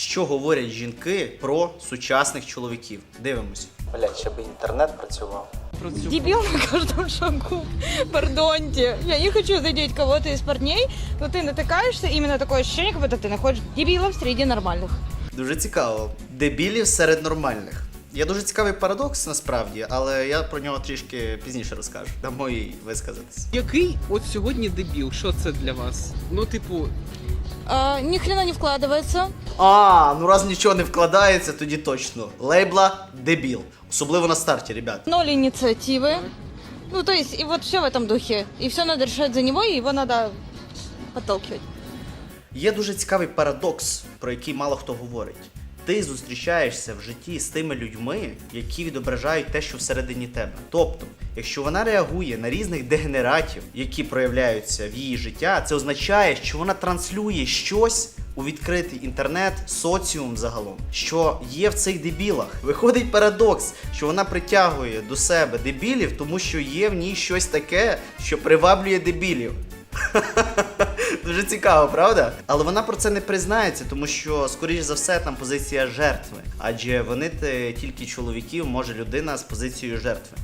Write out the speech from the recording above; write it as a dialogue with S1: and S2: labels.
S1: Що говорять жінки про сучасних чоловіків? Дивимось. Блядь, ще би інтернет працював.
S2: Дебил на каждом шагу. Пардоньте. Я не хочу задеть кого-то из парней, но ты натыкаешься, именно такое ощущение, как будто ты находишь дебилов среди нормальных.
S1: Дуже цікаво. Дебілів серед нормальних. Є дуже цікавий парадокс насправді, але я про нього трішки пізніше розкажу. Дамо їй висказатись.
S3: Який от сьогодні дебіл? Що це для вас? Ну, типу,
S2: Ни хрена не вкладывается.
S1: Ну раз нічого не вкладається, тоді точно. Лейбла дебіл. Особливо на старті, ребят.
S2: Ноль инициативы. Ну, то есть, и вот все в этом духе. И все надо решать за него, и его надо подталкивать.
S1: Є дуже цікавий парадокс, про який мало хто говорить. Ти зустрічаєшся в житті з тими людьми, які відображають те, що всередині тебе. Тобто, якщо вона реагує на різних дегенератів, які проявляються в її життя, це означає, що вона транслює щось у відкритий інтернет, соціум загалом, що є в цих дебілах. Виходить парадокс, що вона притягує до себе дебілів, тому що є в ній щось таке, що приваблює дебілів. Дуже цікаво, правда? Але вона про це не признається, тому що, скоріш за все, там позиція жертви. Адже винити тільки чоловіків може людина з позицією жертви.